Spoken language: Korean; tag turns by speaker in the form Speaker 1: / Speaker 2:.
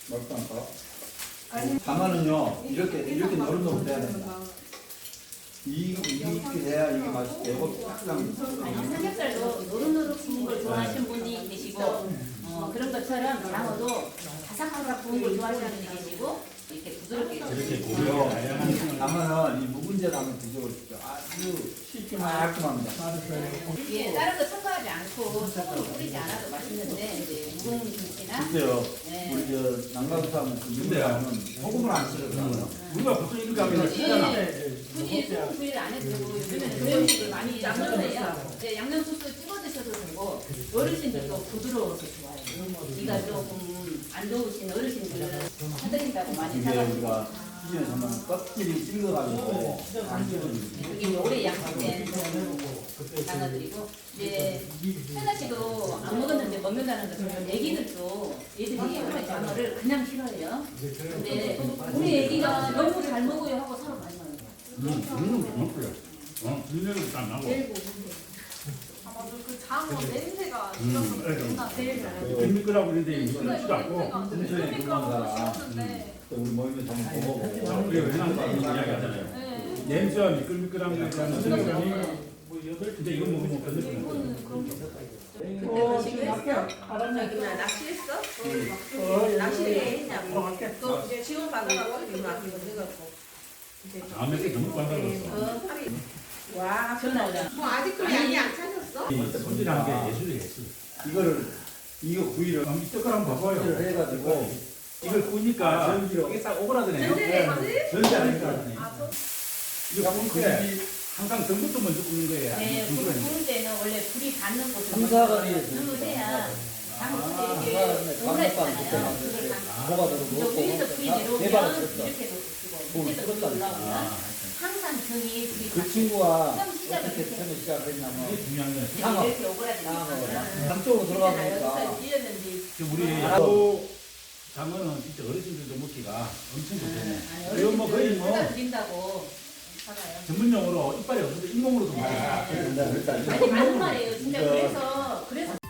Speaker 1: 맛도 안 까? 가마는요 이렇게 노릇노릇 돼야 된다. 이렇게 돼야 이게 맛있게
Speaker 2: 아니 삼겹살도 노릇노릇 구운 걸 좋아하시는 분이 계시고 그런 것처럼 장어도 바삭바삭 구운 걸 좋아하시는 분이 계시고 이렇게 부드럽게
Speaker 3: 이렇게
Speaker 1: 그리고
Speaker 3: 고기요.
Speaker 1: 가마는 이 묵은지에 담은 드셔보십시오. 아주 쉽게 말끔합니다.
Speaker 2: 예, 다른 거 첨가하지 않고 소금을 뿌리지 않아도 맛있는데 이제 묵은 김치나
Speaker 1: 글쎄요,
Speaker 2: 네.
Speaker 1: 우리 저 남가부사는 그 묵은지는 소금을 안 쓰더라고요.
Speaker 3: 우리가 보통 이렇게 하면 쓰잖아.
Speaker 2: 굳이 소금 구이를 안 해도 되고 요즘에는 그런 식으로 많이 양념해요. 네, 양념 소스 찍어 드셔도 되고 어르신들도 부드러워서 좋아요. 이가 조금 안 좋으신 어르신들은 사드린다고 많이
Speaker 1: 이게
Speaker 2: 사가지고
Speaker 1: 우리가 시중에 보면 껍질이 찔거가지고 안 찔거지고.
Speaker 2: 여기 이제 오래 양식된 장어들이고 이제 현아 씨도 안 먹었는데 먹는다는 것은 애기들도 얘들이 원래 장어를 그냥 싫어해요. 근데 우리 애기가 너무 잘 먹어요 하고 서로 많이 먹어요.
Speaker 3: 먹고요. 눈에도 안 나고.
Speaker 2: 제일 고운데.
Speaker 4: 맞아, 그 장어 냄새가
Speaker 2: 제일 잘하고.
Speaker 3: 빈미끌하고 있는데 미끌지도 않고.
Speaker 1: 순천에 근무한 사람 또 우리 모임에서 한번 먹어보고.
Speaker 3: 우리가 왜냐면 이야기하잖아요. 냄새와 미끌미끌한 거에 대한 생각이 근데 이거 먹으면 건드리면
Speaker 4: 저기 나 낚시했어? 낚시를 했냐고. 또 이제 지원 받아가고 이거 안 해갖고.
Speaker 3: 다음에 또 너무 빤다고.
Speaker 4: 와,
Speaker 2: 전화오자.
Speaker 4: 뭐 아직도 양이 안 차졌어?
Speaker 3: 손질하는 게 예술이에요, 예술.
Speaker 1: 이거 구이를
Speaker 3: 이 색깔 한번 봐봐요.
Speaker 1: 해가지고
Speaker 3: 이걸 구우니까
Speaker 1: 전기로
Speaker 3: 이게 싹 오그라드네요.
Speaker 4: 전자레인지?
Speaker 1: 전지 않을까.
Speaker 3: 이거 구울 때 항상 전부터 먼저 굽는 거예요.
Speaker 2: 네,
Speaker 3: 아니면 중간에.
Speaker 2: 구울 때는 원래 불이 닿는 곳을
Speaker 1: 삼사거리에서
Speaker 2: 해야 장어가 이게
Speaker 1: 삼사거리에
Speaker 2: 오래
Speaker 1: 강력한
Speaker 2: 있잖아요.
Speaker 1: 그때
Speaker 2: 그걸 다
Speaker 1: 뭐가 들어
Speaker 2: 또 위에서 불이 내려오면
Speaker 1: 대박을
Speaker 2: 이렇게
Speaker 1: 쳤어.
Speaker 2: 놓고 밑에서 불이 올라오면 항상 등이 불이
Speaker 1: 그 친구가
Speaker 2: 처음 시작을
Speaker 1: 어떻게
Speaker 2: 이렇게
Speaker 1: 처음에 시작했냐면
Speaker 3: 이게 중요한 거예요.
Speaker 1: 장어.
Speaker 2: 이렇게 오그라지니까
Speaker 1: 한쪽으로 들어가 보니까
Speaker 2: 찔렸는지
Speaker 3: 우리 또 장어는 진짜 어르신들도 먹기가 엄청 좋잖아요.
Speaker 2: 아니
Speaker 3: 이건 뭐 거의 뭐
Speaker 2: 어르신들 드린다고 살아요.
Speaker 3: 전문용어로 이빨이 없는데 잇몸으로도 먹어요.
Speaker 1: 일단
Speaker 2: 아니 맞는 말이에요. 진짜 그래서